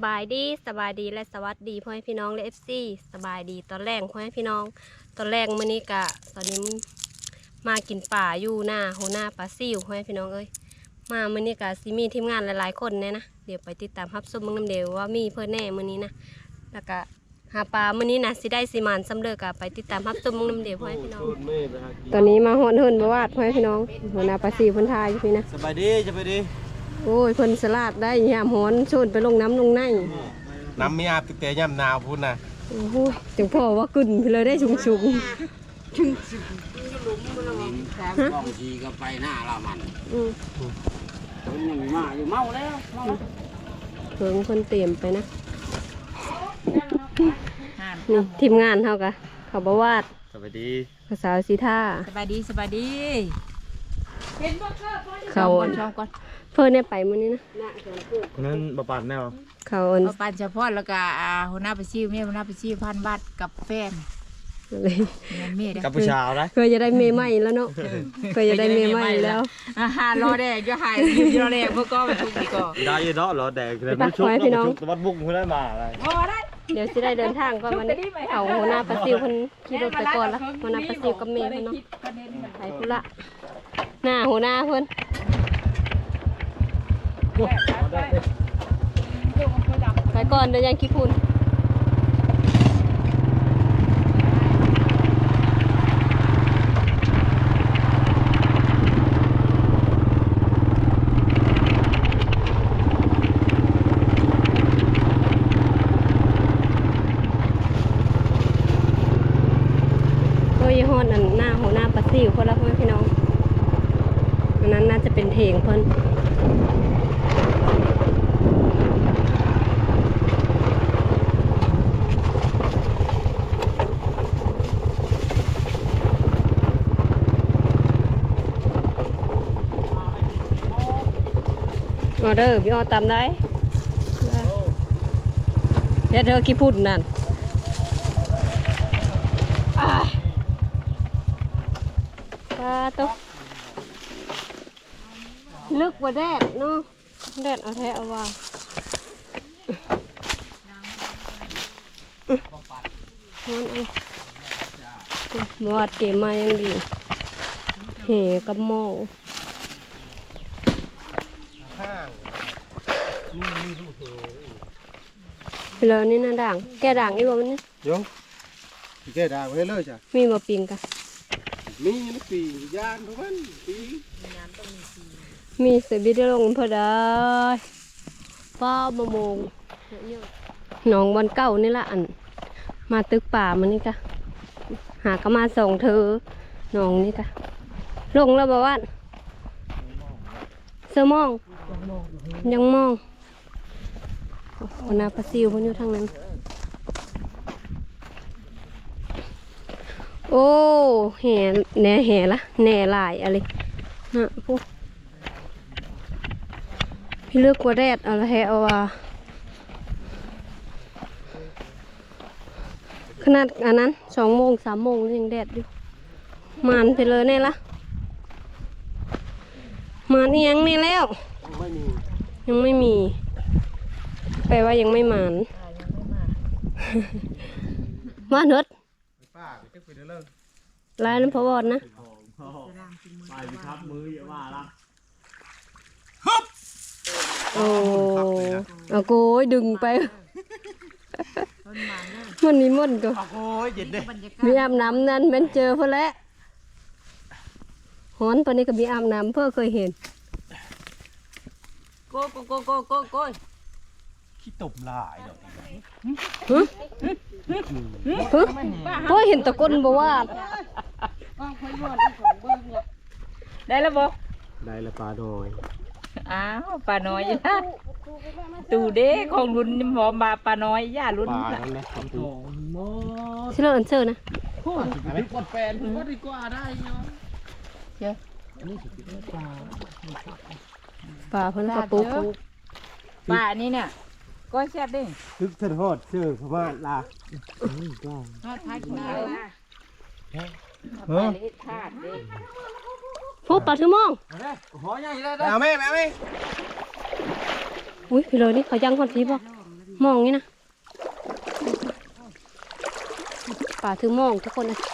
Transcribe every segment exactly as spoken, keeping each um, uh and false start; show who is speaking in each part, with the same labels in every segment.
Speaker 1: บายดีสบายดีและสวัสดีพ่อแม่พี่น้องและเอฟซีสบายดีตอนแรกพ่อแม่พี่น้องตอนแรกมื้อนี้กะตอนนี้มากินป่าอยู่หน้าโหหน้าปลาซิวพ่อแม่พี่น้องเอ้ยมามื้อนี้กะซิมีทีมงานหลายๆคนเนี่ยนะเดี๋ยวไปติดตามรับชมมึงน้ำเดียวว่ามีเพื่อนแน่มื้อนี้นะแล้วก็หาปลามื้อนี้นะสิได้สิมานสำเร็จกะไปติดตามรับชมมึงน้ำเดียวพ่อแม่พี่น้องตอนนี้มาฮอนเฮินบ่วาดพ่อแม่พี่น้องโหหน้าปลาซิวเพิ่นทายอยู่พี่นะ
Speaker 2: สบายดีสบายดี
Speaker 1: โอ้ยเพิ่นสลัดได้ยามหอนชนไปลงน้ำลงใน
Speaker 2: น้ำมีอาบติดแต่ย่ำหนาวพูดนะ
Speaker 1: โอ้โหจังพ่อว่ากึ่นไปเลยได้ชุงชุงชุงชุง
Speaker 3: กองทีก็ไปหน้าเรามัน
Speaker 1: อืม
Speaker 3: คนหนึ่งมาอยู่เมาแล้วเมาแล้ว
Speaker 1: เพิ่งคนเตรียมไปนะนี่ทีมงานเท่ากันเขาบวาด
Speaker 2: สบายดี
Speaker 1: ภาษาสีท่า
Speaker 4: สบายดีสบายดี
Speaker 1: เขา
Speaker 4: ชอบก่อน
Speaker 1: เพื่อนเนี่ยไปมื้อนี้นะ
Speaker 2: นั้นบะปัดแนว
Speaker 1: เขา
Speaker 4: เอาปันเฉพาะแล้วก็หัวหน้าไปชิวเมียหัวหน้าไปชิวพันบาทกับแฟน
Speaker 1: เลย
Speaker 4: เมีย
Speaker 2: กับผู้ชายนะ
Speaker 1: เคยจะได้เมย์ใหม่แล้วเนาะเคยจะได้เมย์ใหม่แล้ว
Speaker 4: อาหารรอแดกจะหายรอแดกเมื่อก่อนมันทุกทีก่อน
Speaker 2: ได้เนาะรอแดกเลยไม่ชุบไม่ชุบวัดบุ้งเพื่อได้มาอะไร
Speaker 1: เดี๋ยวจะได้เดินทางก่อนวันนี้เขาหัวหน้าปลาซิวคนขี่รถไปก่อนละหัวหน้าปลาซิวกับเมย์เพิ่นเนาะไปพุ่นละหน้าหัวหน้าเพิ่นไปก่อนเดี๋ยวยังขี้ฝุ่นโอ้ยฮอดอันหน้าหัวหน้าปลาซิวคนละพ่อพี่น้องอันนั้นน่าจะเป็นเถงเพิ่นออเดอร์พี่ออตามได้เดี๋ยวเธอกี่พูดนั่นปลาตุ๊กลึกกว่าแดดเนาะแดดเอาแท้เอาว่าฮอนเอาหมดเก็บมายังดีเหกับหม้อเดี๋ยวนี้นะด่างแกด่างอีกบ่มันนี่
Speaker 2: ยงแกด่างไว้เลยจ้ะ
Speaker 1: มีบ่ปิงกัน
Speaker 2: มีลูกปียานทุกวันปี
Speaker 1: มีเสือบิดลงพอได้ป้าบะมงหนองบอนเก่านี่ละอันมาตึกป่ามันนี่กะหากมาส่งเธอหนองนี่กะลงแล้วบ่ว่าเสือมองยังมองคนนาปลาซิวมันอยู่ทางนั้นโอ้แห่แหน่แห่ละแหน่ลายอะไรนะพวกพี่เลือกกว่าแดดเอาละแห่เอาว่าขนาดอันนั้นสองโมงสามโมงยังแดดอยู่มันไปเลยเนี่ยละมันนี่ยังนี่แล้วยังไม่มีแปลว่ายังไม่หมานมาเถิดลายน้ำพอวอดนะไปครับมืออย่าว่าละโอ้เอาโกยดึงไปมันมีม่นก็
Speaker 2: โอ้ยเย็นเด้
Speaker 1: มีอาบน้ำนั่นมันเจอเพื่อแล้วหอนปนนี้ก็มีอาบน้ำเพื่อเคยเห็น
Speaker 4: โกโกโกโกโกโก
Speaker 2: ขี้ตบลายดอก
Speaker 1: ฮึฮึโอ้ยเห็นตะก้นบ่ว่า
Speaker 4: ได้แล้วบ่
Speaker 2: ได้แล้วปลาน้อย
Speaker 4: อ้าวปลาน้อยนะตูเด้ของรุ่นหมอมาปลาน้อยย่ารุ่น
Speaker 2: ปลานั่นแหละ
Speaker 1: ชิลเลอร์เชอร์นะ
Speaker 3: พูดดีกว่าแฟนพูดดีกว่าได้เนาะ
Speaker 4: เจ้า
Speaker 1: ปลาเพิ่นกระปุก
Speaker 4: ปลานี่เนี่ยก็แซ่บดิ
Speaker 2: ทึกทอดเชื่อเพราะว่าลา
Speaker 4: ทอดท้ายกินได้
Speaker 2: เฮ้ย
Speaker 1: พวกปลาทื่อมอง
Speaker 3: หอใหญ่เลย
Speaker 2: เอาไหมเอาไหม
Speaker 1: อุ้ยพี่เลยนี่เขายังคนทีบ่มองนี่นะป่าถือมองทุกคนเลย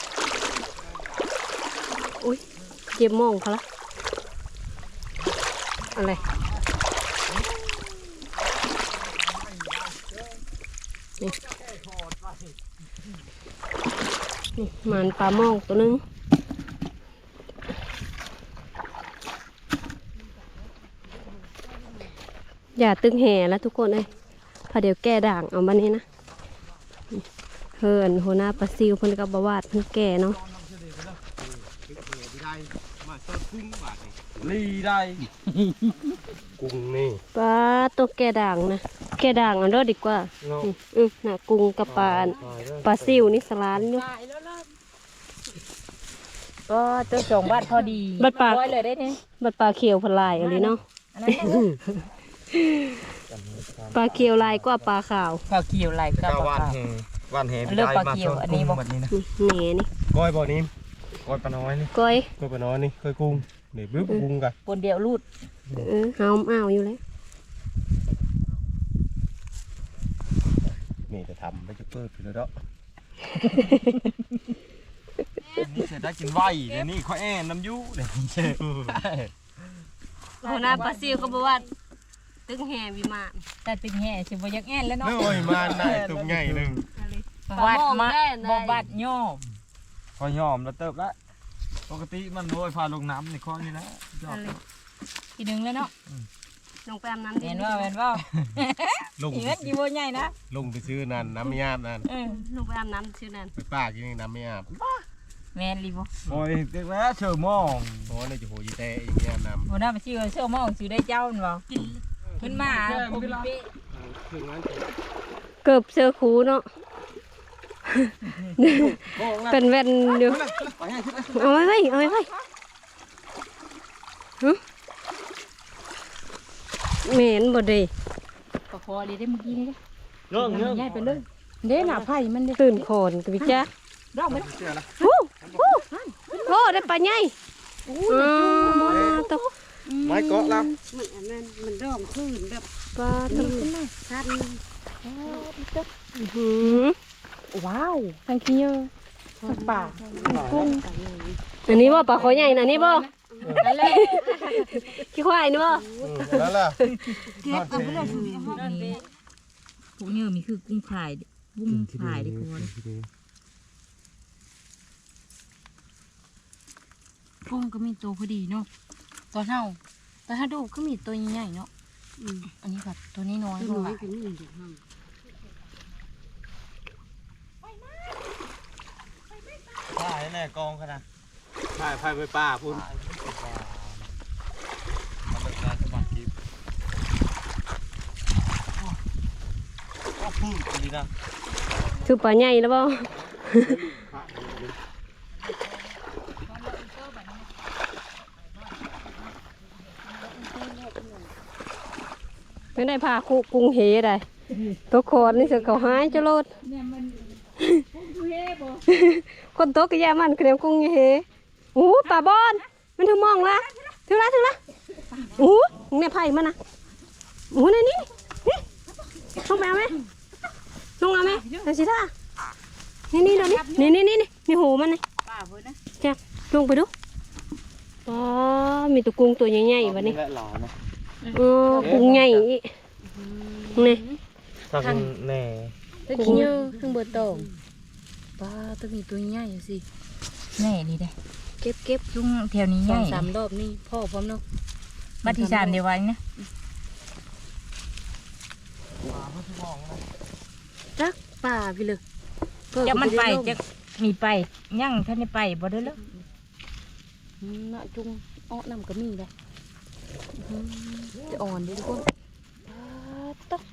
Speaker 1: อุ้ยเจ็บมองเขาละอะไรนี่นี่มันปลามองตัวนึงอย่าตึงแห่แล้วทุกคนเลยพอเดี๋ยวแก้ด่างเอามานี่นะเฮินหัวหน้าปลาซิวเพิ่นกับบาวาดเพิ่นแก่เนาะ
Speaker 2: ลีได้กุ้งนี่
Speaker 1: ปลาตัวแก่ด่างนะแก่ด่างเอันเด้อดีกว่า
Speaker 2: เนาะ
Speaker 1: อืมอืมน่ะกุ้งกับปลาปลาซิวนี่สลานอยู่
Speaker 4: ก็ตัวสองบาทพอดี
Speaker 1: บัดปาก
Speaker 4: ร้อยเลยได้เนี่ย
Speaker 1: บัดปลาเขียวพลายอะไรเนาะ
Speaker 4: อันนั้นได้
Speaker 1: ปลาเขียวลายกว่าปลาขาว
Speaker 4: ข้าวเขียวไหลกับ
Speaker 2: เจ้า
Speaker 4: ป
Speaker 2: วา
Speaker 4: ลาน
Speaker 2: แหวานแห
Speaker 4: เลือกปลาเขียวอันนี้บ่
Speaker 2: แบบนี้นะ
Speaker 1: นี่แหน่นี่
Speaker 2: ก้อยบ่อนี้ก้อยปลาน้อยนี่
Speaker 1: ก้อย
Speaker 2: ก้อยปลาน้อยนี่เคยกุ้งเดี๋ยวบึ้บกุ้งกัน
Speaker 4: คนเดียวรูด
Speaker 1: เออเฮาอ้าวอยู่แล้ว
Speaker 2: นี่จะทำไปจะเปิดไปแล้วเนาะนี่เสร็จได้กินไวเดี๋ยวนี้ข้อแอนน้ำยูเดี๋ยวนี้เชื่อ
Speaker 1: หัวหน้าปลาซิวเขาบอกว่าตึงแห่วิมาน
Speaker 4: แต่ตึงแห่สิบ่อยักแอนแล้วเนาะ
Speaker 2: เมื่อยมาหน้าตุ่มใหญ่หนึ่ง
Speaker 4: วัดมา
Speaker 1: ได้
Speaker 4: บ่บัดย่อ
Speaker 2: คอยยอมแล้วเติบละปกติมันโวยพาลงน้ำในข้อนี้นะยอม
Speaker 4: ทีหนึงแล้วเนาะ
Speaker 1: ลงไปอาบน้ำ
Speaker 4: เห็นว่าเห็นว่า
Speaker 2: ลง
Speaker 4: อีเงินกี่บ่ใหญ่นะ
Speaker 2: ลงไปซื้อนั่นน้ำไม่อาบนั่น
Speaker 4: เออ
Speaker 1: ลงไปอาบน้ำชื่อนั้น
Speaker 2: ไปป้ากินน้ำไม่อาบ
Speaker 4: แม่นรีบ่
Speaker 2: โอ้ยเด็กแล้วเชื่อมองโอ้ยจะโหยเตะอีกเนี่ยน้ำ
Speaker 4: บ่น่าไปชื่อเชื่อมองสิได้เจ้ามันบ่เพิ่นมาโอเป
Speaker 1: เกือบเสื้อคูเนาะเป็นแว่นอยู่เอาไว้ไว้เอาไว้ไว้ฮะเหม็นบ่ดี
Speaker 4: ก็พอเลยได้เมื่อกี้นี่เด้
Speaker 2: เรื่องเรื่อง
Speaker 4: ใหญ่ไปเลยเด้หน้าไผ่มันเด้
Speaker 1: ตื่นโคนกับพี่จ๊ะ
Speaker 4: ดอกมัน
Speaker 2: เชื่อละ
Speaker 1: ฮู้ฮู้โอ้ได้ปลาใหญ่อ๋อตก
Speaker 2: ไม้เกาะแล้ว
Speaker 5: มันอันนั้นมันร้องคืนแบบ
Speaker 1: ปลาตก
Speaker 5: สั้น
Speaker 1: อื้อหือ
Speaker 4: ว้าวทางขี้เยอะป่า
Speaker 1: กุ้งอันนี้บ่ปลาคอใหญ่นะนี่บ่ขี้ควายนี่บ่
Speaker 2: แล้วล่ะ
Speaker 5: เก็บเอาไปเลยคือ
Speaker 4: นี่พวกเนื้อมีคือกุ้งพายกุ้งพายดิคนกุ้งก็มีตัวพอดีเนาะตัวเท่าตัวถ้าดูก็มีตัวใหญ่ๆเนาะอันนี้แบบตัวนี้น้อยก
Speaker 5: น้อ
Speaker 4: ว่าย
Speaker 5: ก็มีอยู่ห้อง
Speaker 2: ป้าแน่กองขนาดป้าพายไปป้าพุ่นมันเป็นการสมัครกิฟต์ก็พูดดีนะ
Speaker 1: คือปลาใหญ่แล้วบ่ไม่ได้พาคุกุ้งเฮได้ตัวโคตรนี่เสือเขาหายจะโลดคนโตกระยามันเคลียมกุ้งเฮโอ้ปลาบอนมันถึงมองละถึงละถึงละโอ้เนี่ยไผ่มันนะโอ้นี่นี่นี่ลงไปเอาไหมลงเอาไหมเอาสิท่านี่นี่เดี๋ยวนี้นี่นี่นี่นี่หูมันนี่จ้ะลงไปดูอ๋อมีตัวกุ้งตัวใหญ่ๆวะนี่
Speaker 2: และหล่อนะ
Speaker 1: เออกุ้งใหญ่อีกนี่
Speaker 2: ทางแน่
Speaker 4: ตัวขี้เยอะทั้งเบอร์โตป้าต้องมีตัวใหญ่สิแน่นี่ได้เก็บเก็บจุ้งแถวนี้ใหญ่สามรอบนี่พ่อพร้อมเนาะมาที่สามเดี๋ยวไว้นะ
Speaker 5: จักป่าพี่เลย
Speaker 4: จะมันไปจะมีไปยั่งท่านได้ไปบ่ได้แล้ว
Speaker 5: น่ะจุงอ้อน้ำก็มีเลยจะอ่อนดิทุกคนตก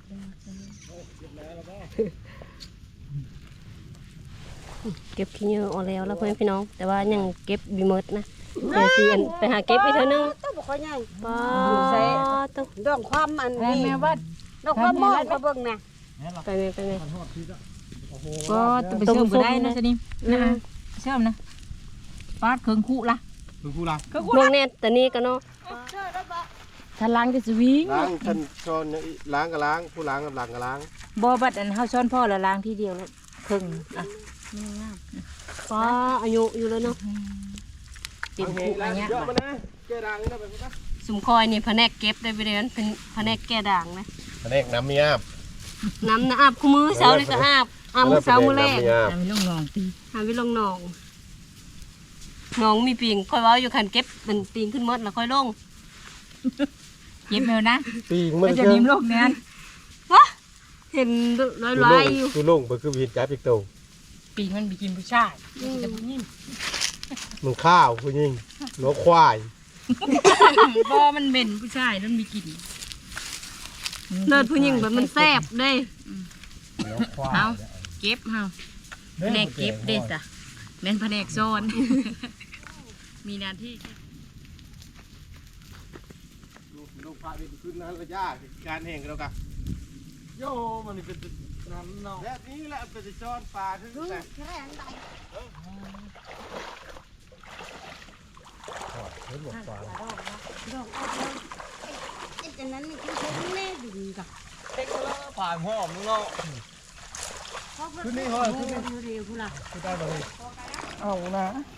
Speaker 1: เก็บขี้เหงื่อออกแล้วแล้วเพื่อนพี่น้อง แต่ว่ายังเก็บบีเมิดนะเดี๋ยวสิอันไปหาเก็บอีกเท่านึง
Speaker 5: ต้องบอกว่าไง
Speaker 1: ป้าต้อง
Speaker 5: ดองความอัน
Speaker 4: แม่
Speaker 5: นี้
Speaker 4: แม่ว่า
Speaker 5: ดองความมองมาเบิ่งนะ
Speaker 1: ไปไหมไปไหม
Speaker 4: ก็ไปเชื่อมก็ได้นะสนิมนะเชื่อมนะปาดเครื่องคู่ละ
Speaker 2: คือกูรัก
Speaker 4: เครื่องคู่
Speaker 1: พว
Speaker 4: ละ
Speaker 1: กเนี้ยแต่นี่ก็เนาะ
Speaker 4: ถ้าล้างจะสวิง
Speaker 6: ล้างท่านช้อนเนี่ยล้างก็ล้างผู้ล้างกับหลังก็ล้าง
Speaker 4: บ่บัดอันเฮาช้อนพ่อแล้วล้างทีเดียวแล้วครึ่งอ่ะ
Speaker 1: ป้าอายุอยู่แล้วเนาะ
Speaker 4: เต็มคุกอันเนี้ย
Speaker 6: เยอะมานะแกดังนี่นะไปพุ่นนะ
Speaker 1: สุมคอยนี่แผนกเก็บได้ไปเลยมันเป็นแผนกแก่ด่างนะ
Speaker 6: แผนกน้ำมีอาบ
Speaker 1: น้ำนะอาบคู่มือเช้าเลยก็อาบอาบมื้อเช้ามื้อแรก
Speaker 4: ทำให้ลูกน้องตี
Speaker 1: หาวิลงหนองหนองมีปิงค่อยเว้าอยู่คันเก็บมันปิงขึ้นหมดแล้วค่อยลง
Speaker 4: เย็บแมวนะ
Speaker 6: ปีงมัน
Speaker 4: ก็จะนิ่มโลกเนี้ย
Speaker 1: เห็นลอยๆอยู่
Speaker 6: ตูลงไปคือวินจับอีกตัว
Speaker 4: ปีมันไปกินผู้ชายจะผู้หญิง
Speaker 6: มันข้าวผู้ยิงหัวควาย
Speaker 4: บ่มันเหม็นผู้ชายนั่นมีกลิ่น
Speaker 1: เลิศผู้หญิงแบบมันแซ่บเด้
Speaker 4: เอาเก็บเฮาแผนกเก็บเด้จ้ะแม่นแผนกซ่อน มีหน้าที่
Speaker 6: ลูกพาไปขึ้นนั้นระยะการแห่งแล้วกัน
Speaker 2: โยมันนี่เป็นน้ำเนาะ
Speaker 6: แบบนี้แหละเป็นช้อนปลาทั้งนั้น
Speaker 2: ผ่านห้อมเนาะ
Speaker 6: ขึ้นนี่เหรอขึ้นนี่ขึ้นได้เลย
Speaker 2: เอานะ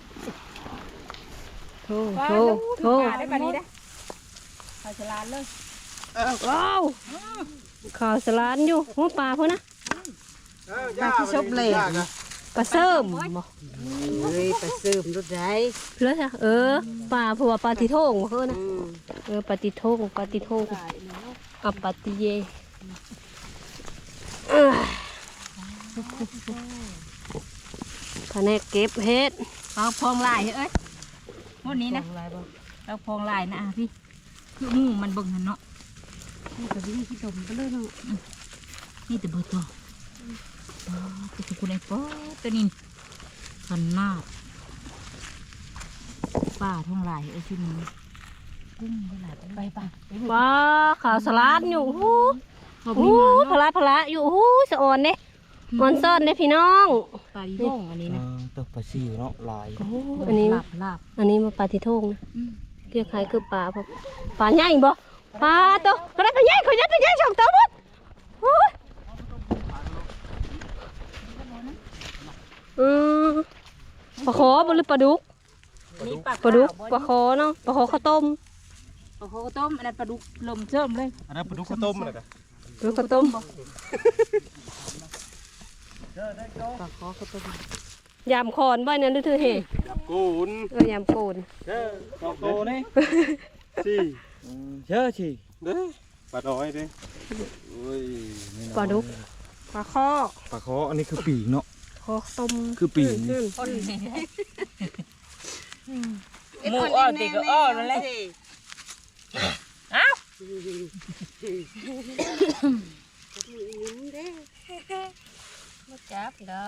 Speaker 1: โธ่โธ่โธ่
Speaker 4: ได้ปานนี้ได้ข้าวฉลาดเลย
Speaker 1: ว้าวข่าวสลานอยู่หัวปลาพุ่นนะ
Speaker 6: ปลาที่ชอบเลย
Speaker 1: ปลาเสริมบ่
Speaker 5: เฮ้ยไปซื้มรถได้
Speaker 1: เพื่อจ้ะเออปลาผัวปลาติโทงบ่เฮ้อนะเออปลาติโทงปลาติโทงกับปลาติเยเอ้ยแผนกเก็บเฮ็ด
Speaker 4: เอาพองลายเอ้ยหมดนี้นะเราพองลายนะอ่ะพี่คือหมูมันเบิ่งหันเนาะ
Speaker 5: นี่ก็วิ่งที่ดมไปเลยเนาะ
Speaker 4: นี่แต่เบอร์ตัวอ๋อตัวสุกุลไอ้ป๊อตัวนี้ขันนาดป้าท่องลายไอ้ชุดนี้กุ้งไปหลายไปป่ะ
Speaker 1: ปลาข่าวสลานอยู่หูหูพละพละอยู่หูสะอ่อนเด้มอนซ่อนเด้พี่น้อง
Speaker 4: ปลาดีโง่อันนี้นะ
Speaker 2: ตัวปลาซิวเนาะลาย
Speaker 1: โอ้อันนี้
Speaker 4: ลาบลาบ
Speaker 1: อันนี้มาปลาติโทงนะเรียกใครคือปลาพอปลาใหญ่บ่ปลาตัวอะไรปลาใหญ่เขาใหญ่ตัวใหญ่สองตัวหมดโอ้ยอืมปลาขอบ่หรือปลาดุก
Speaker 4: นี่
Speaker 1: ปลาดุกปลาขอเนาะปลาขอข้าวต้ม
Speaker 4: ปลาโคต้มอันนั้นปลาดุกลมเจิมเลย
Speaker 6: อันนั้นปลาดุกข้าวต้มอะไรกัน
Speaker 1: ปลาข้าวต้ม
Speaker 5: ปลาขอก็ต้ม
Speaker 1: ยำคอนบ่เนี่ยดูเธอเฮ
Speaker 6: กูน
Speaker 1: เออยำโกน
Speaker 6: เจ้าสองตัวนี่สี่
Speaker 2: เชื่อสิ
Speaker 6: เด้ปลาน้อยเด้โอ้ย
Speaker 1: ปลาดุกปลาข้อ
Speaker 2: ปลาคออันนี้คือปีกเนาะ
Speaker 1: คอต้ม
Speaker 2: คือปีก
Speaker 1: อืม
Speaker 4: หมูอ้อติก็อ้อนั่นแหละอ้าวจับดอก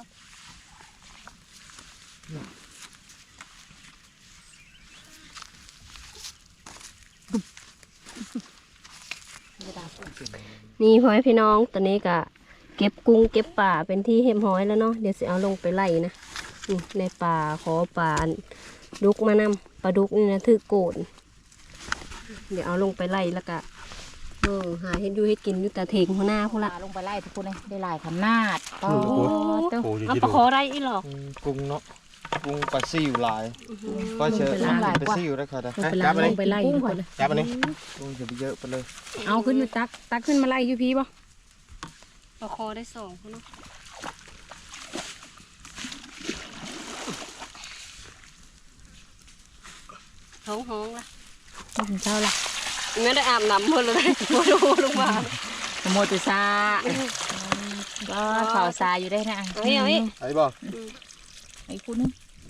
Speaker 1: นี่พ่อแม่พี่น้องตอนนี้ก็เก็บกุ้งเก็บป่าเป็นที่เรียบร้อยแล้วเนาะเดี๋ยวสิเอาลงไปไล่นะนี่ในป่าขอป่าดุกมานำปลาดุกนี่นะถือโกนเดี๋ยวเอาลงไปไล่แล้วก็เออหาเฮ็ดอยู่เฮ็ดกินอยู่แต่เถงหัวหน้าพุ่น
Speaker 4: ป
Speaker 1: ละ
Speaker 4: ลาลงไปไล่ทุกคนเลยได้หลายขนาดปลา
Speaker 1: โอ้ต้องเอาปลาขอได้อีหรอก
Speaker 2: กุ้งเนาะกุ้งปลาซิวลายก็เชื่อปลาซิวได้ค่ะได้
Speaker 6: จับไปเลย
Speaker 5: ไปไล่ก่อนเลย
Speaker 6: จับไปเลย
Speaker 2: กุ้งจะไปเยอะไปเลย
Speaker 5: เอาขึ้นมาตักตักขึ้นมาไล่อยู่พี่ป่ะ
Speaker 1: ปลาขอได้สองพุ่นเนาะท้องห้องละ
Speaker 5: ถึงเช้าละ
Speaker 1: ไม่ได้อาบน้ำพุ่นเลยมาดูลงมา
Speaker 4: โมตุซาก็ข่าวซาอยู่ได้นะ
Speaker 1: เอาอีกเอาอีก
Speaker 6: ไอ้บ่
Speaker 4: ไอ้คุณนึง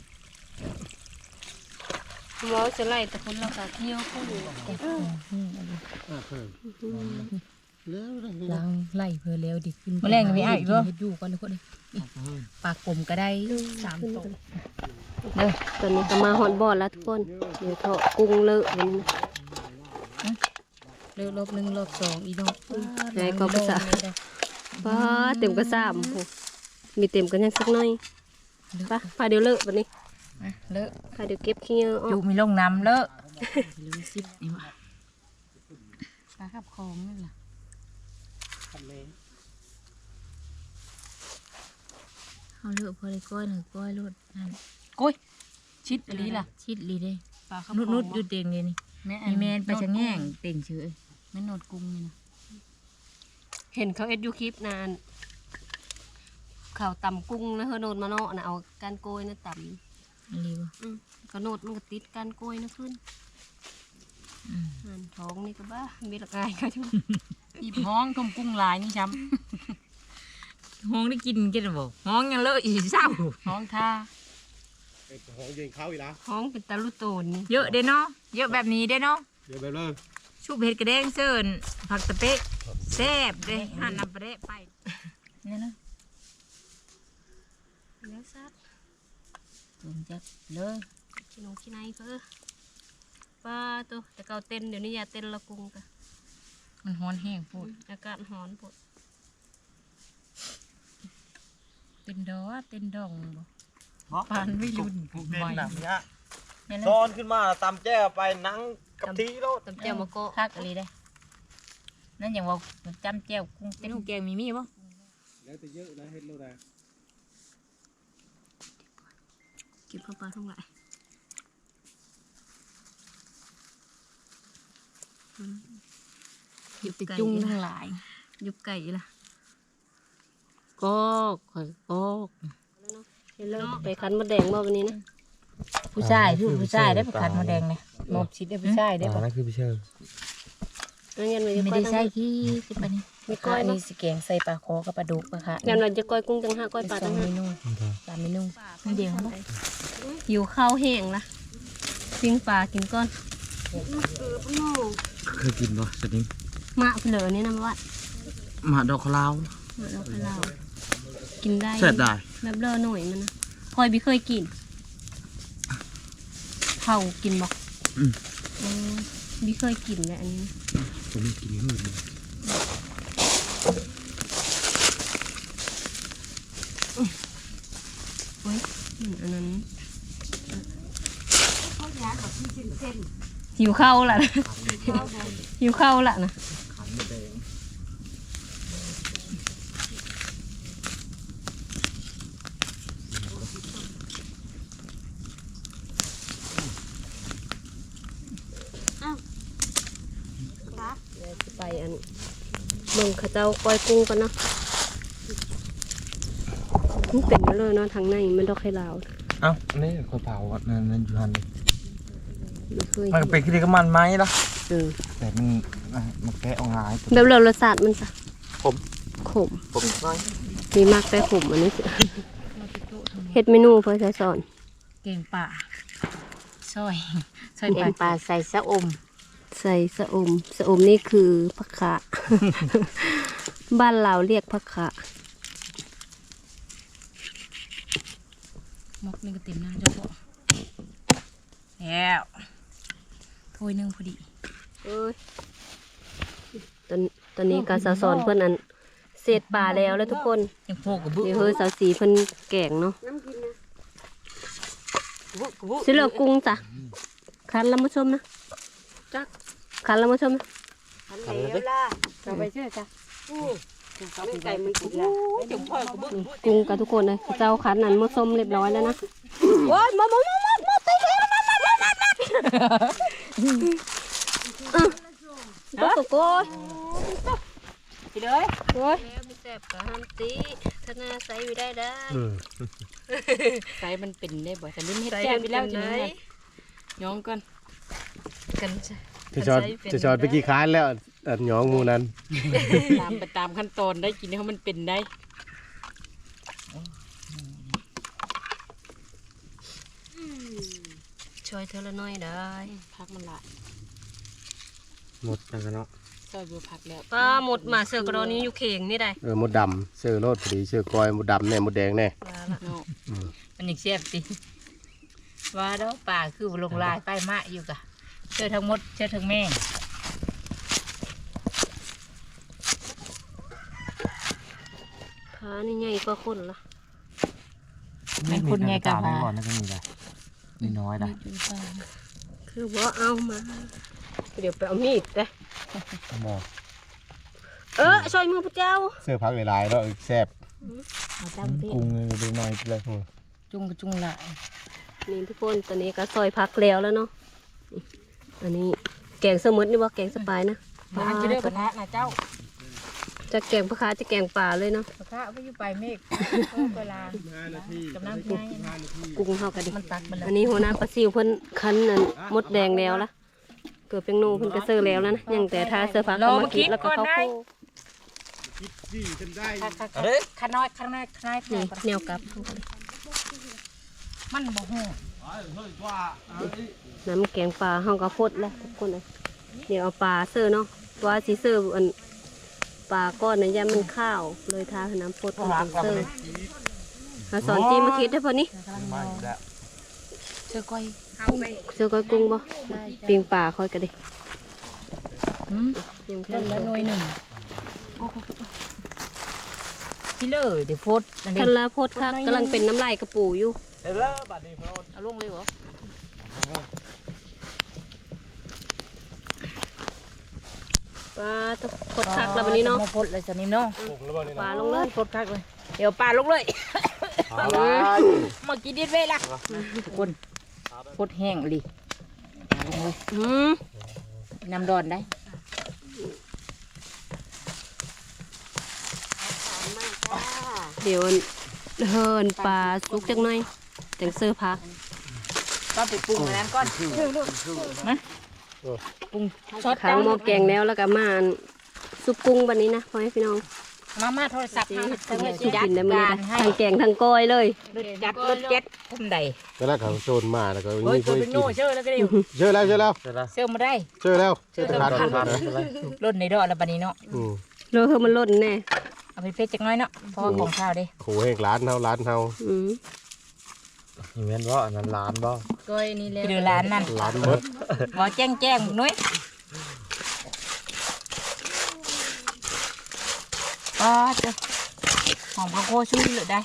Speaker 1: หมอจะไล่แต่คนเราก็เที่ยวคู่อยู่
Speaker 5: ล้างไล่เพื่อแล้วดิขึ้น
Speaker 4: มาแรงกันไม่อ้ายบ่
Speaker 5: เฮ็ดอยู่ก่อนเลยคนนี้ปลากลมก็ได้สามตัว
Speaker 1: เด้อตอนนี้ก็มาฮอตบอลแล้วทุกคนเดี๋ยวเถาะกุ้งเลอะมัน
Speaker 5: เลิกรอบหนึ่งรอบสองอีน้อง
Speaker 1: ไหนก็ภาษาป้าเต็มกระซามโหมีเต็มกันยังสักหน่อยไป้าพาเดี๋ยวเลอะวันนี้
Speaker 4: เลอะ
Speaker 1: พาเดี๋ยวเก็บขี้เหงื่อออ
Speaker 4: จู
Speaker 1: ก
Speaker 4: มีลงน้ำเลอะ
Speaker 5: ลืมซิปนี่ว่ะปลาขับคลองนั่นล่ะ
Speaker 3: ทำเลย
Speaker 4: เอาเลือกพอได้ก้อยหนึ่งก้อยรถนั่น
Speaker 5: กุ้ยชิดอะไรล่ะ
Speaker 4: ชิดลีเด้
Speaker 5: ปลาขับ
Speaker 4: นุด
Speaker 5: คล
Speaker 4: นุ
Speaker 5: อ
Speaker 4: ด
Speaker 5: ง
Speaker 4: อยู่เตียงเลยนี่
Speaker 5: แม่
Speaker 4: มีแมนไปชะแง่งเต่งเฉย
Speaker 5: แม่นดกุ้งนี่นะ
Speaker 1: เห็นเขาเอ็ดยูคลิปนานเขาตำกุ้งนะเฮอโนดมาเนาะนะเอาก้านโกยนะต
Speaker 4: อันนี้บ่
Speaker 1: ำอืมก็โนดมันก็ติดก้านโกยนะขึ้น
Speaker 4: อืม
Speaker 1: อันท้องนี่ก็บ้ามีละกายก็จุ
Speaker 5: อีบห้องทมกุ้งลายนี่ช้
Speaker 4: ห้องได้กินกันบ่ห้องยังเลอะอีเศร้า
Speaker 5: ำห้องท่า
Speaker 6: หองยิงเข้าอีกแล้ว
Speaker 1: ท้องเป็นตาลุโตนนี่
Speaker 4: เยอะเด้เนาะเยอะแบบนี้เด้เนาะ
Speaker 6: เดี๋ยวไปเลย
Speaker 4: ชุบเห็ดกระแดงเซินผักตะเป๊ะแซ่บเด้หั่นน้ำปลาเดะไปนี่นะ
Speaker 1: แล้วซัด
Speaker 4: ถึงจะเลย
Speaker 1: ขี้นงขี้ในเพื่อป้าตัวแต่เกาเต้นเดี๋ยวนี้อย่าเต้นละกุ้งกะ
Speaker 4: มันฮ้อนแห้งพูด
Speaker 1: อากาศร้อนปวด
Speaker 4: เต้นดอเต้นดองบ่ปานไม่รุ่น
Speaker 2: ผูกเด่น
Speaker 4: ใหม่
Speaker 2: หนักเนี้ย
Speaker 4: นี่นะ
Speaker 2: ซ้อนขึ้นมาตำแจ้ไปนั่งกับทีโลด
Speaker 1: ตำเจียวมะกอก
Speaker 4: คักอะไรได้นั่นอย่างว่าจำแจ้วกุ้งเต้นแกงมีมีบ่
Speaker 6: แล้วแต่เยอะนะเฮ็ดโลดา
Speaker 1: เก็บเข้าปลาทั้งหลาย
Speaker 5: หยิบไปจุ้งทั้งหลาย
Speaker 1: ยุบไก่ล่ะ
Speaker 5: ก็ข่อยก็
Speaker 1: เห็นแล้วไปคั้นมะแดงมาวันนี้นะ
Speaker 4: ผู้ชายผู้ผู้ชายได้ประคันมาแดงเนี่ย
Speaker 5: หมอบชิดได้ผู้ชายได้ปะ
Speaker 2: นั่นคือพี่เชิญ
Speaker 1: งั้นยันเราจะ
Speaker 4: ไม่
Speaker 1: ก้อย
Speaker 4: ได้
Speaker 1: ทั้ง
Speaker 4: ใส่
Speaker 1: ห้า
Speaker 4: ขี้สิปะนี่
Speaker 1: ไม่ก้อย
Speaker 5: อัน
Speaker 1: เนาะ
Speaker 5: นี้สิแกงใส่ปลาคอกับปลาดุกปลาค่ะ
Speaker 1: ยันเราจะก้อยกุ้งทั้งห้าก้อยปลา
Speaker 5: สอ
Speaker 1: ทั้
Speaker 5: ง
Speaker 1: ง
Speaker 5: เม
Speaker 1: ห้า
Speaker 5: นูสามเมนู
Speaker 4: มันเดียวมั้ง
Speaker 1: หิวข้าวแห้งล่ะปิ้งปลากินก้อน
Speaker 2: เคยกินป่ะสดิ้ง
Speaker 1: มะเผลอนี่นะวัด
Speaker 2: หมาดอกลาว
Speaker 1: มะเราไปเรากินได้
Speaker 2: เสร็จได้
Speaker 1: แบบเลอะหน่อยมันนะพลอยบิเคยกินเผากินบอก
Speaker 2: อืม
Speaker 1: อืมบิเคยกินแหละอันนี้
Speaker 2: ผมไม่กินหื่น
Speaker 1: เฮ้ยอืมอันนั้นหิวข้าวละหิวข้าวละนะเดี๋ยวจะไปอันเมืองเขาเจ้าก้อยกุ้งกันเนาะมันเป็นมาเลยเนาะทางในมันดอกไข่ลาว
Speaker 2: เอ้านี่ข้าวเผาอ่ะนั่นนั่นอยู่หัน
Speaker 1: ไม่เคย
Speaker 2: มันก็เป็นขี้กับมันไหมล่ะ
Speaker 1: เออ
Speaker 2: แต่มันอ่ะมันแกะออกหาย
Speaker 1: แบบเรารสชาติมันจ้ะ
Speaker 2: ขม
Speaker 1: ขม
Speaker 2: ผมน้อย
Speaker 1: มีมากแต่ขมอันนี้สิเฮ็ดเมนูเพื่อจะสอน
Speaker 4: เก่งป่าซอยซอย
Speaker 5: แก
Speaker 4: ป่าง
Speaker 5: ปลาใส่สะอม
Speaker 1: ใส่สะอมสะอมนี่คือผักขะ บ้านเราเรียกผักขะ
Speaker 4: มกนี่ก็เต็มน้ำเจ้าพ่อแล้วถ้วยหนึงพอดี
Speaker 1: เอ้ยตอนตอนนี้การสอนเพื่อนอันเศษปลาแล้วแล้วทุกคน
Speaker 4: ยังโพกกับบึ้
Speaker 1: เดี๋ยวเฮ้ยสาวสีเพิ่นแกงเนาะสิเหลือกุ้งจ้ะคันแล้วมาชมนะจักคันแล้วมาชมนะ
Speaker 5: เราไปเชื่อจ้ะไก่มันกินแล้ว
Speaker 1: นี่กุ้งกับทุกคนเลยเจ้าคันนั้นมาชมเรียบร้อยแล้วนะโอ้ยมามามามามาไปเลยมามามามามาตกโกย
Speaker 5: ไปเลย
Speaker 1: โอ้ยไม่แซ่บกับฮัมตีถ้าหน้าใส่ไม่ได้ได้
Speaker 5: ไก่มันเป็นได้บ่แต่ลิ้นเฮ็ดแก้วไปแล้วจังไงย้องก่อน
Speaker 1: กันจ้ะ
Speaker 6: จะชอดจะชอดไปกี่ค้านแล้วอันหยองหมูนั้น
Speaker 5: ตามไปตามขั้นตอนได้กินให้มันเป็นได้
Speaker 1: ช่วยเธอละหน้อยได้
Speaker 5: พักมันละ
Speaker 6: หมดแล้วเนาะ
Speaker 5: ซอยบัวผักแล้ว
Speaker 1: ป้าหมดมาเสือกระดอนนี้อยู่เข่งนี่ได้
Speaker 6: เออหมดดำเสื้อโลดพอดีเสื้อกอยหมดดำแน่หมดแดงแน่
Speaker 1: มาละ
Speaker 5: เนาะ
Speaker 4: มันยังเสียบสิว่าแล้วป่าคือลงลายป้ายมะอยู่กะเชื่อทั้งหมดเชื่อทั้งแม่ง
Speaker 1: ขานี่ใหญ่กว่าคนละ
Speaker 4: เป็นคนไงกับ
Speaker 2: นี่
Speaker 4: ว่า
Speaker 2: ก่อนนะก็มีได้นี่น้อยได้
Speaker 1: คือว่าเอามาเดี๋ยวไปเอามีดเด้
Speaker 6: หมอ
Speaker 1: เออช่วยมือพระเจ้า
Speaker 6: เสื้อพักหลายๆแล้วแซ่บ
Speaker 4: เอาจำพี่
Speaker 6: กุ้งดูหน่อยเลย
Speaker 4: จุงกระจุงละ
Speaker 1: นี่ทุกคนตอนนี้ก็ซอยพักแล้วแล้วเนาะนี่อันนี้แกงสมุนนี่ว่าแกงสปายนะ
Speaker 4: มาจะได้กระทะนะเจ้า
Speaker 1: จะแกงปลาคาจะแกงป่าเลยเนาะ
Speaker 4: กระทะไม่อยู่ไปเมฆเวลากำลังกิน
Speaker 1: กุ้งเท่ากันดิ
Speaker 4: มันตักมันแล้ว
Speaker 1: อันนี้หัวหน้าปลาซิวเพิ่นคั้นนั่นมดแดงแล้วละเกิดเป็นนูเพิ่นก็เซอร์แล้วแล้วนะยังแต่ทาเสื้อผ้าเข้ามาคิดแล้วก็เข้าโค้
Speaker 4: ข้าน้อยข้าน้อยข้าน้อย
Speaker 1: นี่แนวกลับ
Speaker 4: มันบ่หู
Speaker 1: น้ำแกงปลาเฮาก็พดแล้วทุกคนเลยเดี๋ยวเอาปลาเซอร์เนาะตัวสีเซอร์อันปลาก้อนน่ะยามมันข้าวเลยทาให้น้ำพดเป็นเซอร์ถ้าสอนจีมาคิดได้พอนี้
Speaker 4: เชื่อก้อย
Speaker 1: เซอร์ก้อยกุ้งบ่ปิ้งปลาค่อยก็ได้
Speaker 4: อืม
Speaker 1: ยัง
Speaker 4: ต้นละหน่วยหนึ่งที่เลยเดี๋ยวโพดนั่นเอ
Speaker 1: ทั
Speaker 4: ง
Speaker 1: นละพดค่ะกำลังเป็นน้ำลายกระปูอยู่
Speaker 4: เอาลงเลยเหรอ
Speaker 1: ปลาตะพดคักแล้ววันนี้เนาะ
Speaker 4: มาโพดเลยสนิมเนาะ
Speaker 1: ปลาลงเลย
Speaker 4: โพดคักเลยเดี๋ยวปลาลงเลยเมื่อกี้ดิดเวละทุกคนโพดแห้งเลยลงเลย
Speaker 1: อืม
Speaker 4: น้ำดอนได้
Speaker 1: เดี๋ยวเฮินปลาสุกจังหน่อยแต่งเสื้อพัก
Speaker 4: ก็ไปปรุงอันนั้นก่อนมาปรุงซอส
Speaker 1: ขังหม้อแกงแล้วแล้วก็มาอันซุปกุ้งวันนี้นะพ่อให้พี่น้อง
Speaker 4: มามาโทรศัพท์
Speaker 1: สี
Speaker 4: มา
Speaker 1: เฮ็ด
Speaker 4: จะ
Speaker 1: จัง
Speaker 4: ได้
Speaker 1: ไง
Speaker 4: จั
Speaker 1: สุ
Speaker 4: ด
Speaker 1: กินได้มื้อ
Speaker 4: การให้
Speaker 1: นี้นะทั้งแกงทั้งก้อยเลย
Speaker 4: รถจัดรถเจ็ดทำใด
Speaker 6: ก็แล้วเขาโจรมาแล้วก็
Speaker 4: เฮ้ย
Speaker 6: นี่
Speaker 4: ตัว
Speaker 6: เพื่อ
Speaker 4: เป็น
Speaker 6: กิ
Speaker 4: โง่
Speaker 6: น
Speaker 4: เชื่อแล้วก็ได้อยู่
Speaker 6: เชื่อแล้วเชื่อแล้ว
Speaker 4: เชื่อมาได้
Speaker 6: เชื่อแล้ว
Speaker 4: เชื่อแล้ว
Speaker 6: ขาด
Speaker 4: รถในดอกแล้วบัดนี้เนาะ
Speaker 6: อืม
Speaker 1: เราเฮามันล่นแน่
Speaker 4: เอาไปเฟซจักหน้อยเนาะเพราะว่าของข้าวเด้
Speaker 6: โหแห่งร้านเฮาร้านเฮา
Speaker 1: อืม
Speaker 2: นี่แม่นบ่อันนั้นร้านบ่
Speaker 4: ก้อยนี่แหละคือร้านนั่น
Speaker 6: ร้านมด
Speaker 4: บ่แจ้งแจ้งหนุ้ยอ๋อจ้ะหอมข้าวโพดช่วยเหลือได้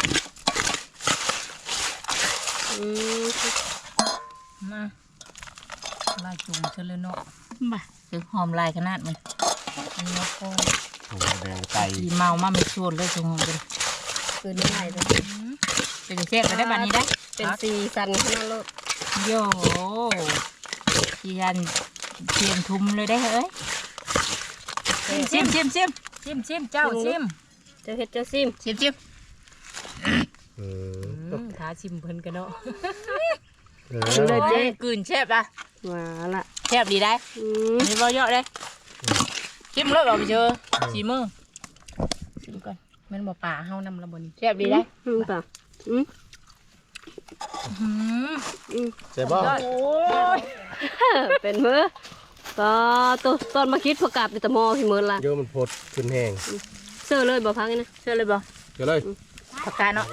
Speaker 1: อืม
Speaker 4: มาลายจุ่มเชลเนาะมาคือหอมลายขนาดมันอันนี้ก็
Speaker 6: โหแดงไก่
Speaker 4: ดีเมามาไม่ชวนเลยชงหอมกัน
Speaker 1: คืนนี้ไหลเลย
Speaker 4: เป็นเชฟไปได้บัดนี้ได้
Speaker 1: เป็นสีสันขนาดโลด
Speaker 4: โย่จียันเทียมทุมเลยได้เฮ้ยชิมชิมชิมชิมชิมเจ้าชิม
Speaker 1: เจ้าเฮ็ดเจ้าซิม
Speaker 4: ชิมชิม
Speaker 6: อืม
Speaker 4: ท้าชิมเพิ่นกันเนาะ
Speaker 6: เอ
Speaker 1: ชิม
Speaker 6: อ
Speaker 1: เลยเจ๊
Speaker 4: กลืนเชฟละ
Speaker 1: ว่าละ
Speaker 4: เชฟดีได้
Speaker 1: อืม
Speaker 4: มีบ่เยอะเลยชิมเลยบอกไปเจอสีมือชิมก่อนแม่นบ่ป่าเฮานำละบนเชฟดีได้
Speaker 1: อืมป่ะอืม
Speaker 4: อืม
Speaker 6: เจ็บบ่
Speaker 4: โอ้ย
Speaker 1: เป็นมือก็ตัวตอนมาคิดพอกลับแต่หมอพี่มือละ
Speaker 6: โยมมันพดขึ้นแห้ง
Speaker 1: เสื้อเลยบ่พักนี่นะ
Speaker 4: เชื่อเลยบ่
Speaker 6: เดี๋ยวเลย
Speaker 4: ผักกาดเนาะ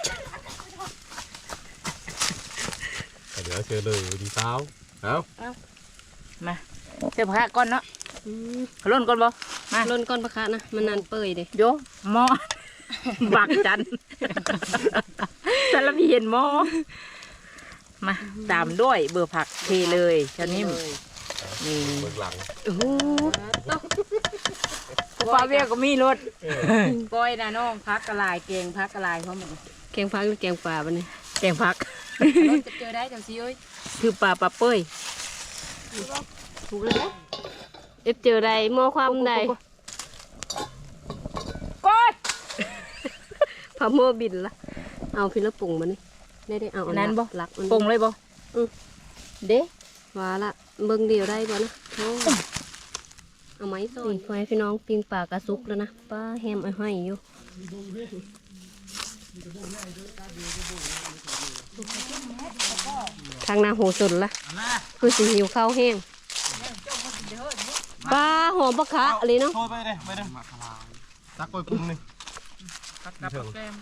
Speaker 6: เดี๋ยวเชื่อเลยดีสาวเอา
Speaker 4: มาเชื่อผักกาดก่อนเนาะ
Speaker 1: อืม
Speaker 4: ขลุ่นก่อนบ่มา
Speaker 1: ล้นก้อนปลาคานะมันนานเปื่อยเด้
Speaker 4: โยหม้อ บักจันสารพีเห็นหม้อมาตามด้วยเบอร์ผักเทเลยชานิ่มนี่
Speaker 6: เบื้องหลัง
Speaker 1: โอ้โห
Speaker 4: ฟ้าเวียก็มีรถก้อยนะน้องพักกระลายเกงพักกระลายเพราะมัน
Speaker 1: แกงพักหรือแกงป่าบัดนี้
Speaker 4: แกงพักรถจะเจอได้จังสิเอ้ยคือปลาปลาเป้ย
Speaker 1: ถูกแล้วนะเอฟเจอใดหม้อความใด
Speaker 4: ก้อย
Speaker 1: พาหม้อบินละเอาพี่ละปุ่งมานี่ได้ได้เอาอั
Speaker 4: นั้นบ่
Speaker 1: หลักมัน
Speaker 4: ปรุงเลยบ่เด้
Speaker 1: ว่าละเบิ่งเดียวได้บ่นะโอ้เอาไหมต้นไฟพี่น้องปิ้งปลากระซุกแล้วนะป้าแฮมไอ้ห้อยอยู่ทางนาโหสุดละคือสิหิวข้าวแห้งปลาหอมปลาคะอะไรเนาะ
Speaker 6: โทษไปเลยไปเลยตักกล้วยกุ้งนี่
Speaker 4: ผักกับแกม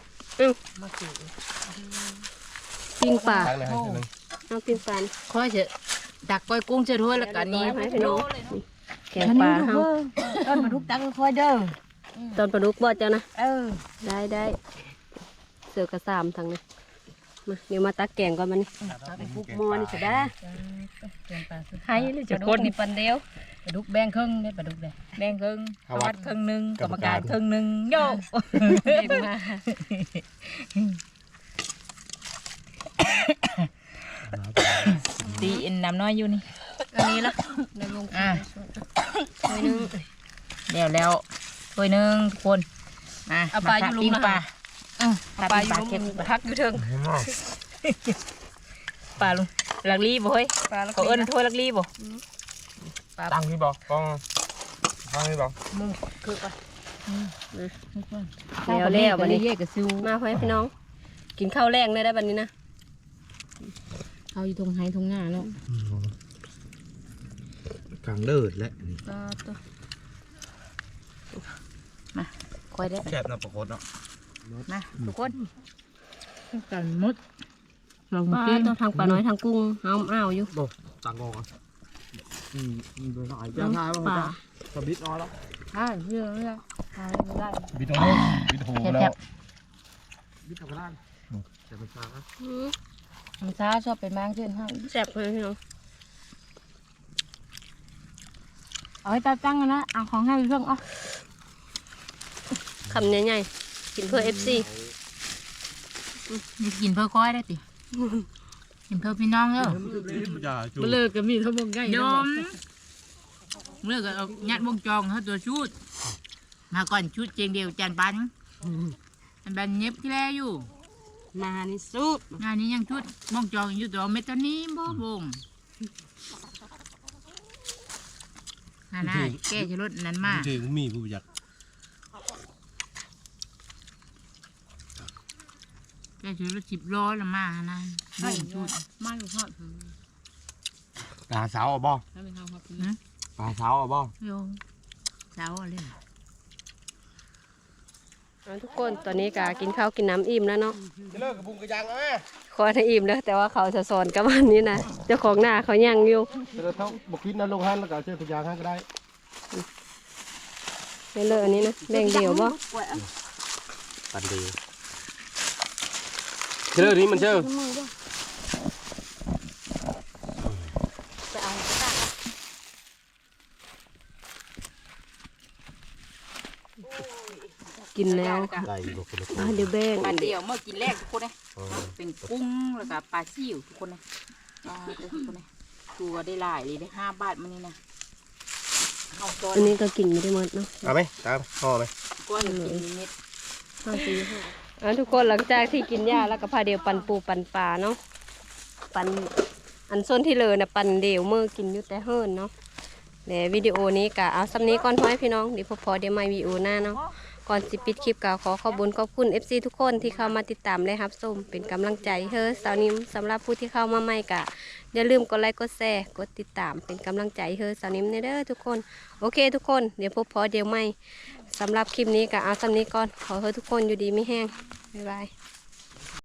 Speaker 1: ปิ้งปลา
Speaker 6: ตักเลยให้เชื่อนึง
Speaker 1: เอาปิ้งปลานี่
Speaker 4: ค่อยเถอะดักก้อยกุ้งเจอถ้วยแล้วกันนี้
Speaker 1: ให้พี่น้องนี่แกงปลาเฮา
Speaker 4: ต้นมาทุกตักค่อยเด้อ
Speaker 1: ตอนปลาดุกบ่เจ้านะ
Speaker 4: เออ
Speaker 1: ได้ได้เสือกระสามทางนี้มาเดี๋ยวมาตักแกงก่อนมันนี่
Speaker 4: ตักไปฟุก
Speaker 1: หมอนี่จะได้
Speaker 4: เลี้ยงปลา
Speaker 1: ให้เลยจะคนนี่ปันเดียว
Speaker 4: ปลาดุกแบ่งครึ่งได้ปลาดุกได้แบ่งครึ่งสวัสดิ์ครึ่งหนึงกรรมการครึ่งหนึงโย
Speaker 1: เด็กมา
Speaker 4: ตีอินน้ำน้อยอยู่นี่
Speaker 1: อันนี้ละในวง
Speaker 4: อ่ะ
Speaker 1: ถ้วยหนึง
Speaker 4: แล้วแล้วถ้วยหนึงทุกคนมา
Speaker 1: เอาปลาอยู่ลุม
Speaker 4: ปิ้ง
Speaker 1: นะ
Speaker 4: ปลาอือ
Speaker 1: เอาปลาอยู่
Speaker 4: เค็ม
Speaker 1: ลงพักอยู่เทิง
Speaker 4: ปลาลุงลักลีบ่เฮ้ย
Speaker 1: ปลาแล้ว
Speaker 4: เขาเอิ้นถ้วยลักลีบ่
Speaker 2: ตั้งที่บอกกองตั้งที่บอก
Speaker 4: มึงคือปลา
Speaker 1: แล้วแล้วบัดนี้
Speaker 5: เย่กับซิว
Speaker 1: มาพ่อพี่น้อง กินข้าวแรงเลยได้บัดนี้นะ
Speaker 5: เขาอยู่ตรงไฮตรงหน้าแล้ว
Speaker 3: กลางเลิศและ
Speaker 1: ปลาตัว
Speaker 4: คอยได้
Speaker 2: แคบนะปรากฏเนาะ
Speaker 4: มาทุกคน
Speaker 5: กันมดเรา
Speaker 1: ปลา
Speaker 5: เก่ง
Speaker 1: ตัวทางปลาน้อยทางกุ้งเอาอ้าวอยู่
Speaker 2: ตั้งกองอ่ะอืมโดยสาย
Speaker 1: เอาปลา
Speaker 2: สบิดน้อยแล้ว
Speaker 5: อ่าเชื่อไม่ได้ทายไม่ได้
Speaker 2: บิดโอ้บิดโหแล้วบิดทำได้แต่ไม่ช้า
Speaker 1: อืม
Speaker 5: มันช้าชอบไปมากขึ้นห้าง
Speaker 1: แซ่บเลยพี่น้อง
Speaker 5: เอาให้ตาตั้งกันนะเอาของให้เรื่องอ่ะ
Speaker 1: คำใหญ่ๆกินเพื่อเอฟซี
Speaker 4: นี่กินเพื่อก้อยได้ติกินเพื่อพี่น้องเด้อ
Speaker 5: เลิกกันมีทั้งวงใกล้
Speaker 4: โยมเมื่อก็เอายัดวงจองเขาตัวชุดมาก่อนชุดเจงเดียวจานปันอันบันเย็บที่แลอยู่
Speaker 5: มานี่สุด
Speaker 4: งานนี้ยังชุดวงจองอยู่ตัวเม็ดตัวนี้บ่บงน่าน่าแก้ชรถนั้นมา
Speaker 3: ถึงมีผู้อยาก
Speaker 4: แก้ชรถสิบล้อละมานะบ่งชุด
Speaker 5: มาอยู่ทอด
Speaker 2: ปลาสาวอ่ะบ่
Speaker 5: แล้วเป็นข้าวครับ
Speaker 2: ปลาสาวอ่ะบ่
Speaker 4: โยสาวอะไร
Speaker 1: ทุกคนตอนนี้ก็กินข้าวกินน้ำอิ่มแล้วเนาะ
Speaker 2: เลิกกับบุ้งกระยังแล้วแม่
Speaker 1: ขอให้อิ่มแล้วแต่ว่าเขาจะสอนกับวันนี้นะเจ้าของหน้าเขายังอยู่
Speaker 2: เราต้องบุกคิดนะลงหันแล้วก็เชื่อพยางหันก็ได้
Speaker 1: ไม่เลอะอันนี้นะแบ่งเดียวบ่
Speaker 3: ปันดีเชื่อนี้มันเชื่อ
Speaker 1: กินแล้ว
Speaker 3: ได้บุกคนละค
Speaker 1: อ่ะเดี๋ยวแบ่ง
Speaker 4: ปลาเดียวเมื่อกินแรกทุกคนเลยเป็นกุ้งแล้วก็ปลาซิ่วทุกคนเลยอ่าเด้อทุกคนเลยตัวได้หลายเลยได้ห้าบาทมันนี่นะเอาตัว
Speaker 1: อันนี้ก็กินไม่ได้หมดเนาะ
Speaker 3: เอาไหมตามห่อไหม
Speaker 4: ก้อนกินนิด
Speaker 1: ห้าสี่ห้าอ่ะทุกคนหลังจากที่กินหญ้าแล้วก็พาเดียวปันปูปันปลาเนาะปันอันส้นที่เลยนะปันเดียวเมื่อกินอยู่แต่เฮิรนเนาะเดี๋ยววิดีโอนี้กะเอาซ้ำนี้ก่อนพ่อให้พี่น้องเดี๋ยวพอพอเดี๋ยวมาวิดีโอหน้าเนาะก่อนสิปิดคลิปกะขอขอบคุญขอบคุณ เอฟ ซี ทุกคนที่เข้ามาติดตามและรับชมเป็นกำลังใจเฮ้อสาวนิ้มสำหรับผู้ที่เข้ามาใหม่กะอย่าลืมกดไลค์กดแชร์กดติดตามเป็นกำลังใจเฮ้อสาวนิ้มเด้อทุกคนโอเคทุกคนเดี๋ยวพบพอเดี๋ยวไม่สำหรับคลิปนี้กะเอาซ้ำนี้ก่อนขอให้ทุกคนอยู่ดีไม่แห้งบ๊ายบาย